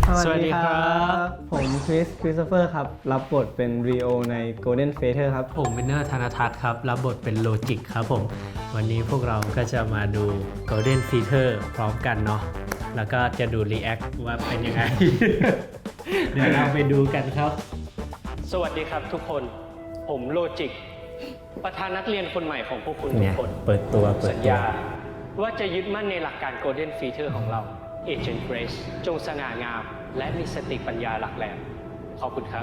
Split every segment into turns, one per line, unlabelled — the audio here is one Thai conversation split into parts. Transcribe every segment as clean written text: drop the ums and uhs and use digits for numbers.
สวัสดีครับผมคริสโตเฟอร์ครับรับบทเป็นรีโอใน Golden Feather ครับ
ผมวินเนอร์ธนทัศน์ครับรับบทเป็นโลจิกครับผมวันนี้พวกเราก็จะมาดู Golden Feather พร้อมกันเนาะแล้วก็จะดูรีแอคว่าเป็นยังไง เดี๋ยวเราไปดูกันครับ
สวัสดีครับทุกคนผมโลจิกประธานนักเรียนคนใหม่ของพวกคุณทุกคน
เปิดตัว
สัญญาว่าจะยึดมั่นในหลักการ Golden Feature ของเรา Agent Grace จงสง่างาม และมีสติปัญญาหลักแหลมขอบคุณครับ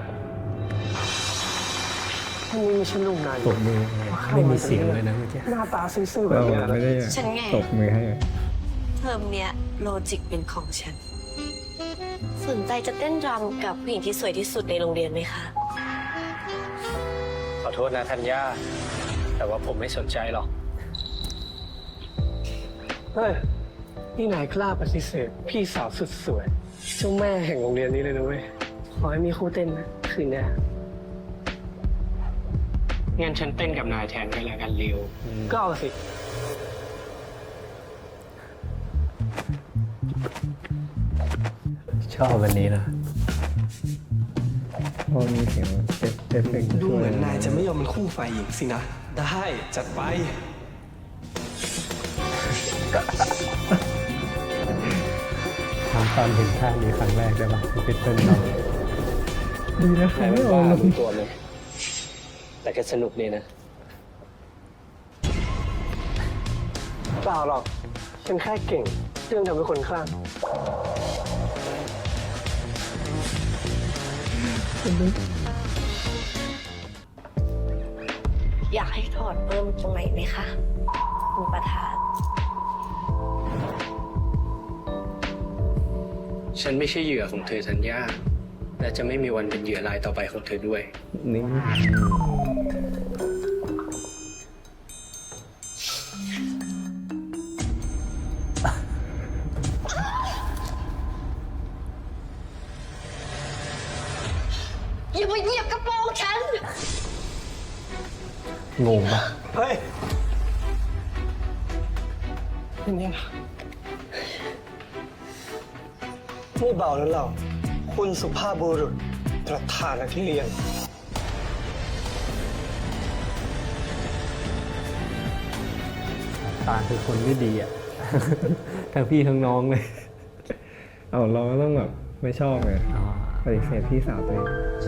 ทำไมมีฉันลงนาน
ตบมือไม่มีเสียงเลยนะเมื่อกี้
หน้าตาซื่อๆแบบนี้นะ
ไม่ได้
ฉันไง
ตบมือให้
เทอมเนี้ยโลจิกเป็นของฉัน สนใจจะเต้นรำกับผู้หญิงที่สวยที่สุดในโรงเรียนไหมคะ
ขอโทษนะธัญญาแต่ว่าผมไม่สนใจหรอก
เฮ้ยนี่นายกล้าปฏิเสธพี่สาวสุดสวยเจ้าแม่แห่งโรงเรียนนี้เลยนะเว้ยขอให้มีคู่เต้นนะคืนเนี้ย
งั้นฉันเต้นกับนายแทนก็แล้วกันริว
ก็เอาสิ
ชอบวันนี้นะ
พอมีเสียงเอฟเฟกต์
ดูเหมือนนายจะไม่ยอมเป็นคู่ฝ่ายหญิงสินะ ได้จัดไป
ทำตอนเห็นท่านี้ครั้งแรกได้ปะที่เป็นเต้นเรา
ดีนะ
นาย
ไม่
ไม่
ออ
บ้าก
ลง
รู้ตัวไหมแต่ก็สนุกดีนะ
เปล่าหรอก ฉันแค่เก่งเรื่องทำให้คนคลั่ง
อยากให้ถอดเพิ่มตรงไหนไหมคะคุณประธาน
ฉันไม่ใช่เหยื่อของเธอธัญญาและจะไม่มีวันเป็นเหยื่อรายต่อไปของเธอด้วย
นี่
อย่ามาเหยียบกระโปรงฉัน
งงปะ
เฮ้ยนี่นะนี่เบาแล้วเรา คุณสุภาพบุรุษประธานนักเรียน
ตาคือคนไม่ดีอ่ะ ทั้งพี่ทั้งน้องเลย
เอาเราก็ต้องแบบไม่ชอบไง
อ๋อ
ปฏิเสธพี่สาวตัวเอง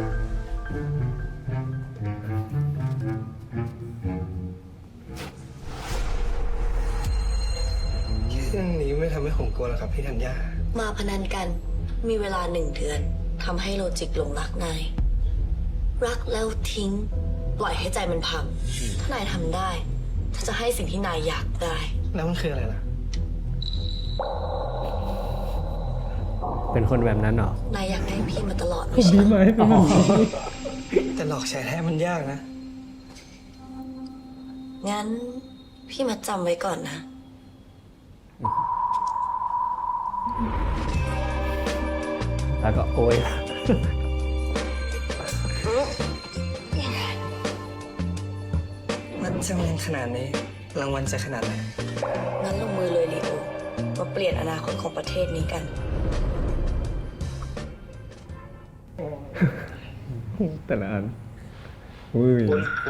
เรื่องนี้ไม่ทำให้ผมกลัวหรอกครับพี่ธัญญา
มาพนันกัน มีเวลา1 เดือนทำให้โลจิกหลงรักนาย รักแล้วทิ้ง ปล่อยให้ใจมันพัง ถ้านายทำได้ฉันจะให้สิ่งที่นายอยากได้
แล้วมันคืออะไรล่ะ
เป็นคนแบบนั้นเหรอ
นายอยากได้พี่มาตลอด
ผม
ไม่ใช่
ดี
เห
ไหม
รอ
เป็นแบบนี้
แต่หลอกแชร์แท้มันยากนะ
งั้นพี่มาจำไว้ก่อนนะ
แล้วก็โอย
มันจำเงินขนาดนี้ รางวัลจะขนาดไหน
งั้นลงมือเลยลีโอ มาเปลี่ยนอนาคตของประเทศนี้กัน
แต่ละอันอุ้ย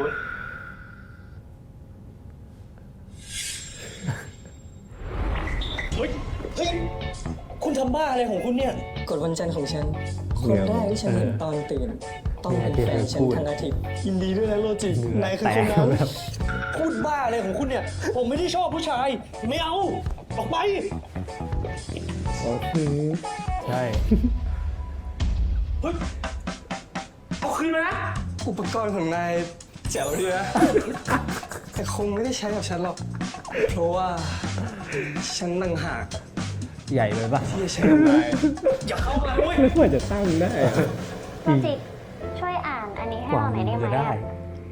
คุณทำบ้าอะไรของคุณเนี่ย กดวันจันทร์ของฉัน คนแรกที่ฉันเห็นตอนตื่น ต้องเป็นแฟนฉันธนาทิพย์ยินดีด้วยนะโลจิกนายคือคนนั้น
แบบ
พูดบ้าอะไรของคุณเนี่ย ผมไม่ได้ชอบผู้ชาย ไม่เอา ออกไป
อ๋อคือ
ใช่
เฮ้ย เอาคืนมานะ อุปกรณ์ของนายแจ๋วดีนะ แต่คงไม่ได้ใช้กับฉันหรอก เพราะว่าฉันต่างหาก
ใหญ่ไปปะ
ที่จะใช้กับนาย อย่าเข้ามาเว้ย
ไม่ควรจะตั้งได้อะ
โลจิกช่วยอ่านอันนี้ให้
หวั
เรา
ง
หน่อยได้ไหม
จะได้
อะ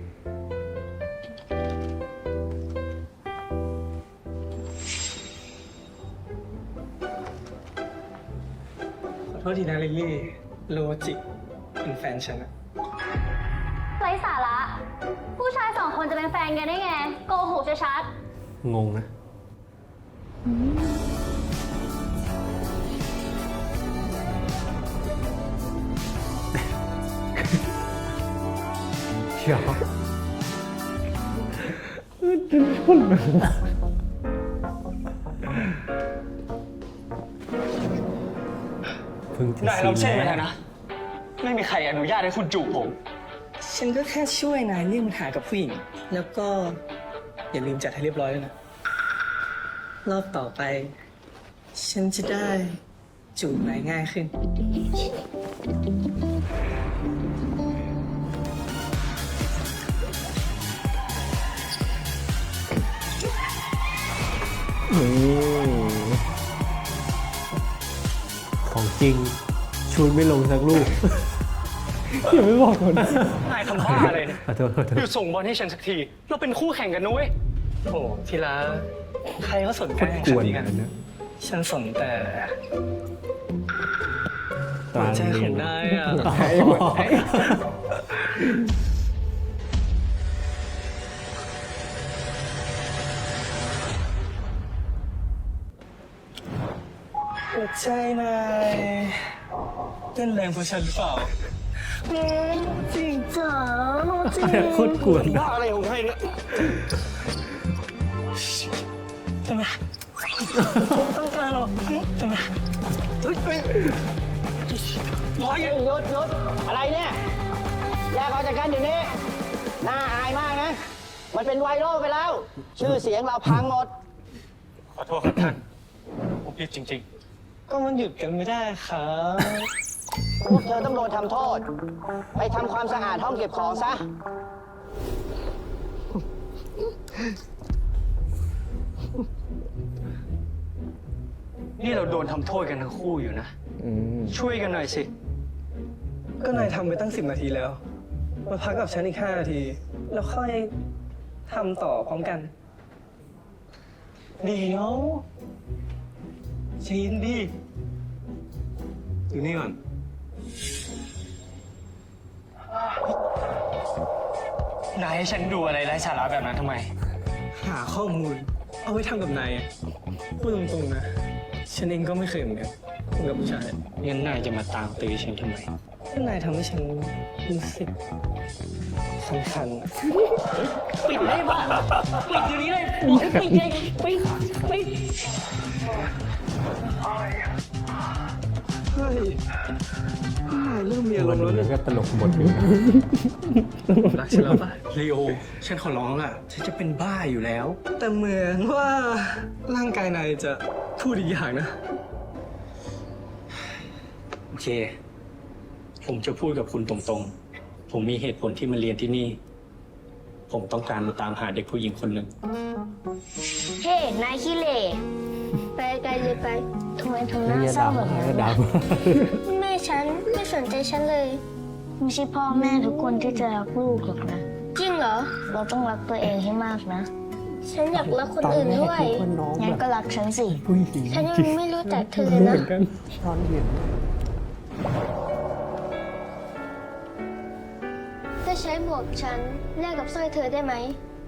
ขอโทษทีนะลิลลี่ โลจิกเป็นแฟนฉันอะ
ไร้สาระ ผู้ชาย2 คนจะเป็นแฟนกันได้ไง โกหกชัด
งงนะเดี๋ยวเพิ่งจะ
นายลองเชื่อ
ซี
ไหม
นแรก
นะ ไม่มีใครอนุญาตให้คุณจูบผม ฉันก็แค่ช่วยนายเลี่ยงปัญหากับผู้หญิง แล้วก็อย่าลืมจัดให้เรียบร้อยด้วยนะ รอบต่อไป ฉันจะได้จูบนายง่ายขึ้น
ของจริงชูนไม่ลงสักลูก
อย่าไม่บอกคน
นายทำบ้าอะไรเนี่ย
ขอโทษขอโท
หยุ
ษ
ดส่งบอลให้ฉันสักที เราเป็นคู่แข่งกันนะเว้ย
โอ้ทีละใครก็สนใจ
โคตรกวน
ฉัน
กันนะ
ฉันสนแต่
ตา
ใจ
เรี
ข
ย
อน งนายอ่ะ หัวใจนายเต้นแรงเพราะฉันหรือเปล่าจริงจ๋าจริง
โคตรกวนนะ
ว่าอะไรของใครเนี่ยทำไมต้องการหรอทำไมเฮ้ยร้อย
หยุดอะไรเนี่ยแยกออกจากกันเดี๋ยวนี้น่าอายมากนะ มันเป็นไวรัลไปแล้ว ชื่อเสียงเราพังหมด
ขอโทษครับท่าน ผมผิดจริง
ก็มันหยุดกันไม่ได้ครับ
พวกเธอต้องโดนทำโทษ ไปทำความสะอาดห้องเก็บของซะ
ๆ นี่เราโดนทำโทษกันทั้งคู่อยู่นะ ช่วยกันหน่อยสิ
ก็นายทำไปตั้ง10 นาทีแล้ว มาพักกับฉันอีก5 นาที แล้วค่อยทำต่อพร้อมกัน ดีเนาะชีนดีอยู่นี่ก่อน
นายให้ฉันดูอะไรไร้สาระแบบนั้นทำไม
หาข้อมูล เอาไว้ทำกับนายอะพูดตรงๆนะ ฉันเองก็ไม่เคยเหมือนกันคุยกับผู้ชาย
งั้นนายจะมาตามตื้อฉันทำไม
ถ้านายทำให้ฉันรู้สึกคันๆอะ
ปิดเลยบ้าปิดเดี๋ยวนี้เลยบอกให้ปิดเลยปิด
เฮ้ยนายเริ่มมีอาร
วั
ม
น
ณ์แล้ว
นี้
เนี่ย
ก็ตลกหมดอยู่นะ
รักฉันแล้วป่ะลีโอ ฉันขอร้องล่ะ ฉันจะเป็นบ้าอยู่แล้ว แต่เหมือนว่าร่างกายนายจะพูดอีกอย่างนะ
โอเค ผมจะพูดกับคุณตรงๆ ผมมีเหตุผลที่มาเรียนที่นี่ ผมต้องการมาตามหาเด็กผู้หญิงคนหนึ่ง
เฮ้ นายขี้เหร่ไปไกลเลยไปทำไมทำหน้า
อย่า
เศร้า
ดรา
แบบ
ม่า
นั้น
ก็ดรา
ล่ะ
ม่า
แม่ฉันไม่สนใจฉันเลย ไม่ใช่พ่อแม่ทุกคนที่จะรักลูกหรอกนะ จริงเหรอ เราต้องรักตัวเองให้มากนะ ฉันอยากรักคนอื่นด้วยงั้นก็รักฉันสิ ฉันยังไม่รู้จักเธอเลยนะ จะใช้หมวกฉันแลกกับสร้อยเธอได้ไหม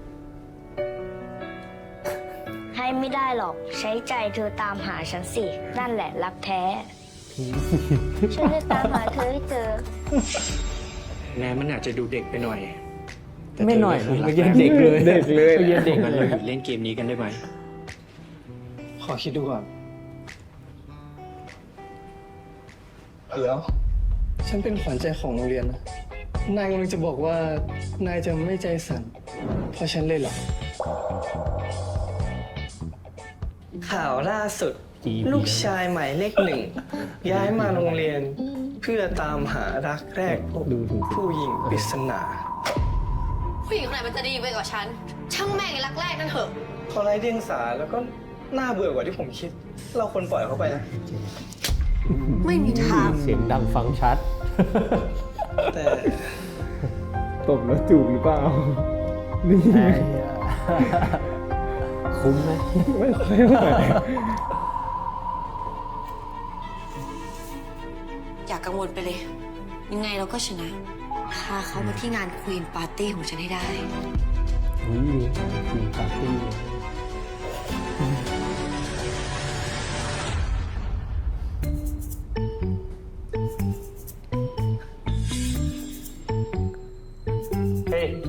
ให้ไม่ได้หรอก ใช้ใจเธอตามหาฉันสิ นั่นแหละรักแท้ ฉันจะตามหาเธอให้เจอ
แม้มันอาจจะดูเด็กไปหน่อยแต่
ไม่หน่อย
เธ
นะ
ก็
เมื่อ
คื
กี้
อ
เด็กเลย
เด็กเลย
เมื่อกี้เด็ก
งั้น
เล
เรา
ย
หยุดเล่นเกมนี้กันได้ไหม
ขอคิดดูก่อนเดี๋ยว ฉันเป็นขวัญใจของโรงเรียนนะ นายกำลังจะบอกว่านายจะไม่ใจสั่นเพราะฉันเลยเหรอ ข่าวล่าสุด ลูกชายหมายเลข1 ย้ายมาโรงเรียน เพื่อตามหารักแรกพบผู้หญิงปริศนา
ผู้หญิงคนไหนมันจะดีไปกว่าฉัน ช่างแม่งไอ้รักแรกนั่นเถอะ
เขาไร้เดียงสาแล้วก็น่าเบื่อกว่าที่ผมคิด เราควรปล่อยเขาไปนะ
ไม่มีทาง
เสียงดังฟังชัด
แต่
ตบแล้วจูบหรือเปล่า นี่
คุ้มไหม
ไม่ค่อยเท่าไหร่
อย่ากังวลไปเลย ยังไงเราก็ชนะ พาเขามาที่งานควีนปาร์ตี้ของฉันให้ได้
อุ้ยมีปาร์ตี้
เฮ้ย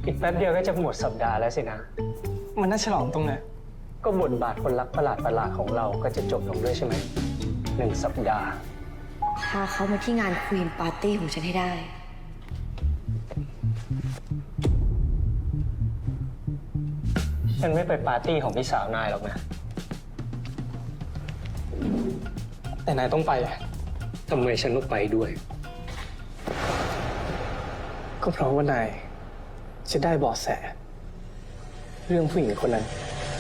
อีกแป๊บเดียวก็จะหมดสัปดาห์แล้วสินะ
มันน่าฉลองตรงไหน
ก็บทบาทคนรักประหลาดๆของเราก็จะจบลงด้วยใช่ไหม1 สัปดาห์
พาเขามาที่งานควีนปาร์ตี้ของฉันให้ได้
ฉันไม่ไปปาร์ตี้ของพี่สาวนายหรอกนะ
แต่นายต้องไป
ทำไมฉันต้องไปด้วย
ก็เพราะว่านายจะได้เบาะแส เรื่องผู้หญิงคนนั้น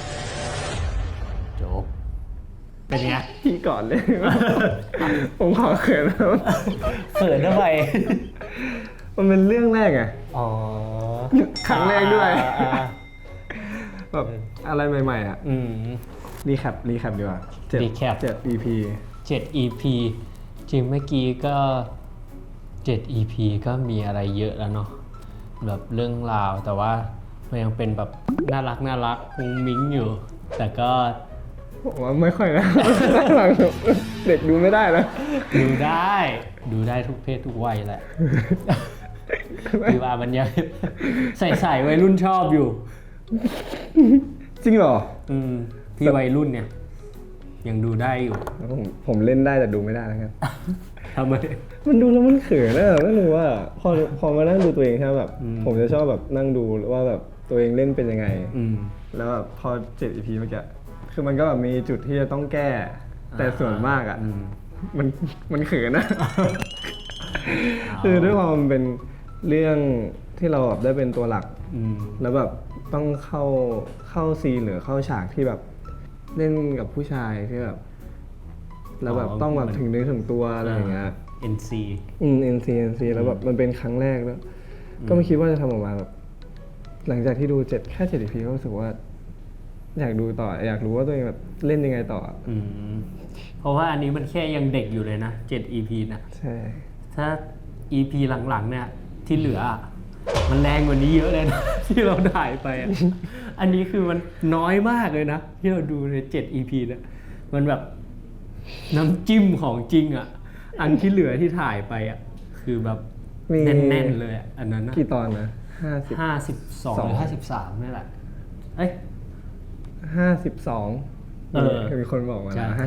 จบเป็นไง
พี่ก่อนเลย ผมขอเขินแล้ว
เขินทำไม
มันเป็นเรื่องแรกไง
อ๋อ
ครั้งแรกด้วย
อ่า
แบบอะไรใหม่ๆอ่ะ
อืม
รีแคปดีกว่า7
recap
7 EP
7 EP จริงเมื่อกี้ก็ 7 EP ก็มีอะไรเยอะแล้วเนาะแบบเรื่องราวแต่ว่ามันยังเป็นแบบน่ารักมุ้งมิ้งอยู่ แต่ก็
ผมว่าไม่ค่อยนะ หลังๆเด็กดูไม่ได้นะ
ดูได้ทุกเพศทุกวัยแหละคือว่ามันยังใส่วัยรุ่นชอบอยู่
จริงเหรอ
พี่วัยรุ่นเนี่ย ยังดูได้อยู่
แล้วผมเล่นได้แต่ดูไม่ได้แล้วกัน
ทำไม
มันดูแล้วมันเขินอะไม่รู้ว่าพอมานั่งดูตัวเองใช่ไหมแบบ ผมจะชอบแบบนั่งดูว่าแบบตัวเองเล่นเป็นยังไง แล้วแบบพอ7 EP เมื่อกี้คือมันก็แบบมีจุดที่จะต้องแก้ แต่ส่วนมากอ่ะมันเขินนะ คือด้วยความมันเป็นเรื่องที่เราแบบได้เป็นตัวหลัก แล้วแบบต้องเข้าซีนหรือเข้าฉากที่แบบเล่นกับผู้ชายที่แบบแล้วแบบต้องแบบถึงเนื้อถึงตัวอะไรอย่างเงี้ย
NC
NC แล้วแบบมันเป็นครั้งแรกแล้วก็ไม่คิดว่าจะทำออกมาแบบหลังจากที่ดูแค่ 7 EP ก็รู้สึกว่าอยากดูต่ออยากรู้ว่าตัวเองแบบเล่นยังไงต่อ
เพราะว่าอันนี้มันแค่ยังเด็กอยู่เลยนะ7 EP นะ
ใช่
ถ้า EP หลังๆเนี่ยที่เหลือมันแรงกว่านี้เยอะเลยนะ ที่เราถ่ายไปอ่ะ อันนี้คือมันน้อยมากเลยนะที่เราดูใน7 EP เนี่ยมันแบบน้ำจิ้มของจริงอ่ะอันที่เหลือที่ถ่ายไปอ่ะคือแบบแน่นๆเลยอ่ะอันนั้นนะ
กี่ตอนนะ
52หรือ53นี่แหละเอ้ย
52มีคนบอกมา
ใช่
นะ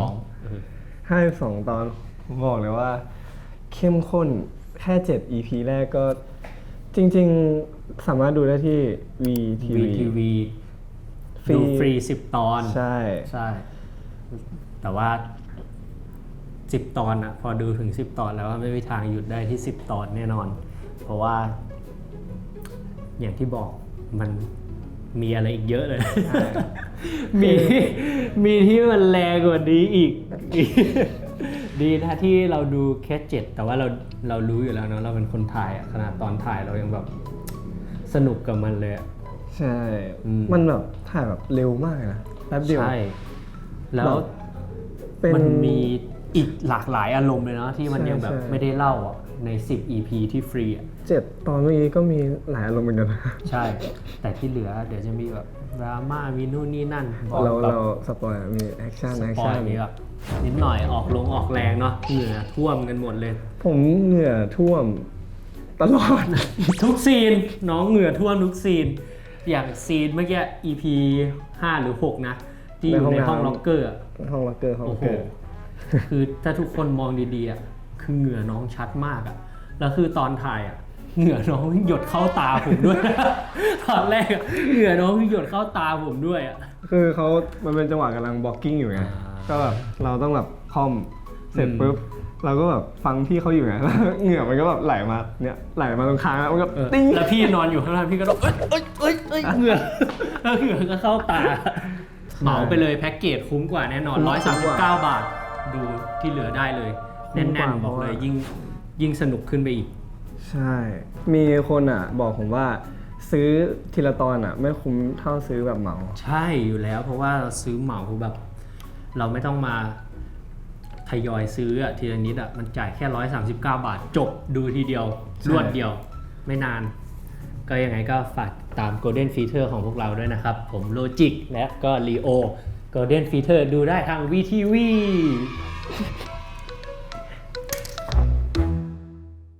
52ตอนผมบอกเลยว่า เข้มข้นแค่7 EP แรกก็จริงๆสามารถดูได้ที่
VTV ดูฟรี10 ตอน
ใช่
แต่ว่า10 ตอนอะพอดูถึง10 ตอนแล้วไม่มีทางหยุดได้ที่10 ตอนแน่นอน เพราะว่าอย่างที่บอกมันมีอะไรอีกเยอะเลย มีที่มันแรงกว่านี้อีก ดีนะที่เราดูแค่7แต่ว่าเรารู้อยู่แล้วเนาะเราเป็นคนถ่ายอะขนาดตอนถ่ายเรายังแบบสนุกกับมันเลยอะ
ใช่มันแบบถ่ายแบบเร็วมากนะแป๊บเดียว
ใช่แล้วมันมีอีกหลากหลายอารมณ์เลยเนาะที่มันยังแบบไม่ได้เล่าอ่ะใน10 EP ที่ฟรีอ่ะ
7 ตอนเมื่อกี้ก็มีหลายอารมณ์เหมือนกันนะ
ใช่ แต่ที่เหลือเดี๋ยวจะมีแบบดราม่ามีนู่นนี่นั่น
เราสปอยมีแอคชั่น
ปอยนี้แบบนิดหน่อยออกแรงเนาะเหงื่อท่วมกันหมดเลย
ผมเหงื่อท่วมตลอด
ทุกซีนน้องเหงื่อท่วมทุกซีนอย่างซีนเมื่อกี้ EP 5 หรือ 6 นะที่อยู่ในห้องล็อกเกอร์
ห้องล็อกเกอร์
คือถ้าทุกคนมองดีๆอ่ะคือเหงื่อน้องชัดมากอ่ะแล้วคือตอนถ่ายอ่ะเหงื่อน้องหยดเข้าตาผมด้วย ตอนแรกอ่ะเหงื่อน้องหยดเข้าตาผมด้วยอ่ะ
คือมันเป็นจังหวะกำลังบล็อกกิ้งอยู่ไงก็แบบเราต้องแบบคอมเสร็จปุ๊บเราก็แบบฟังพี่เขาอยู่ไงแล้วเหงื่อมันก็แบบไหลมาตรงคางแล้วมันก็ติ้ง
แล้วพี่นอนอยู่ข้างล่างพี่ก็ต้องเอ้ยเหงื่อแล้วเหงื่อก็เข้าตาเหมาไปเลยแพ็กเกจคุ้มกว่าแน่นอน139 บาทดูที่เหลือได้เลยแน่นๆบอกเลยยิ่งสนุกขึ้นไปอีก
ใช่มีคนอ่ะบอกผมว่าซื้อทีละตอนอ่ะไม่คุ้มเท่าซื้อแบบเหมา
ใช่อยู่แล้วเพราะว่าเราซื้อเหมาแบบเราไม่ต้องมาทยอยซื้ออะทีละนิดอะมันจ่ายแค่139 บาทจบดูทีเดียวรวดเดียวไม่นานก็ยังไงก็ฝากตาม Golden Feature ของพวกเราด้วยนะครับผมโลจิกและก็ Leo Golden Feature ดูได้ทาง VTV